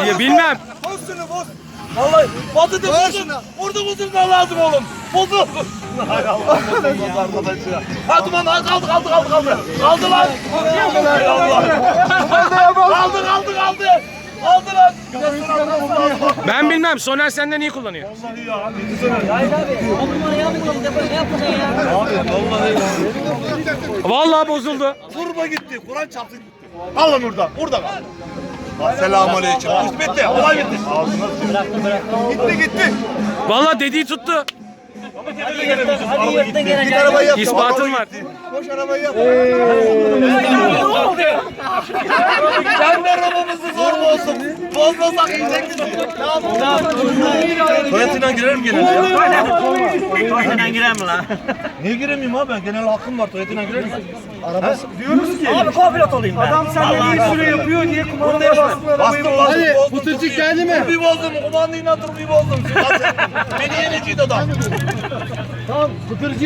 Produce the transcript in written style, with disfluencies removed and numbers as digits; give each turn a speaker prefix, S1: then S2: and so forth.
S1: Ya bilmem.
S2: Boz şunu boz.
S3: Vallahi batırdı
S2: Ver
S3: bozun.
S2: şunu.
S3: Vurdu bozulma lazım oğlum. Bozul. Hay Allah bozulmaz arkadaş ya. Hadi lan kaldı. Kaldı lan. Hay Allah. Kaldı. Kaldı lan.
S1: Ben bilmem. Soner senden iyi kullanıyor.
S3: Vallahi ya.
S4: Hayır abi. O numarayı yapmayalım. Ne yapacaksın ya?
S3: Abi vallahi ya.
S1: Vallahi bozuldu.
S3: Turba gitti. Kur'an çarptı gitti. Alın orada. Burada kal. Selamünaleyküm. Bitti. Olay bitti. Ağzına Gitti.
S1: Vallahi dediği tuttu.
S4: Hadi yırttın gene.
S2: Git arabayı yap.
S1: İspatın var.
S2: Koş arabayı yap.
S3: Sen de arabamızı zor bozsun. Bozmasak yiyecektin. Tuvaletinden girerim genelde ya.
S4: Tuvaletinden girer mi lan?
S3: Niye giremeyeyim abi ben? Genel hakkım var. Tuvaletinden girerim.
S2: Diyoruz ki.
S4: Abi co-pilot olayım ben.
S2: Adam senden iyi süre yapıyor diye kumandaya bastın arabayı.
S3: Bastım.
S2: Hadi
S3: bozdum.
S2: Pıtırcık geldi mi?
S3: Bir bozdum. Kumandayı hatırlayı bozdum. Beni yeneceğiydi adam.
S2: Tamam Pıtırcık.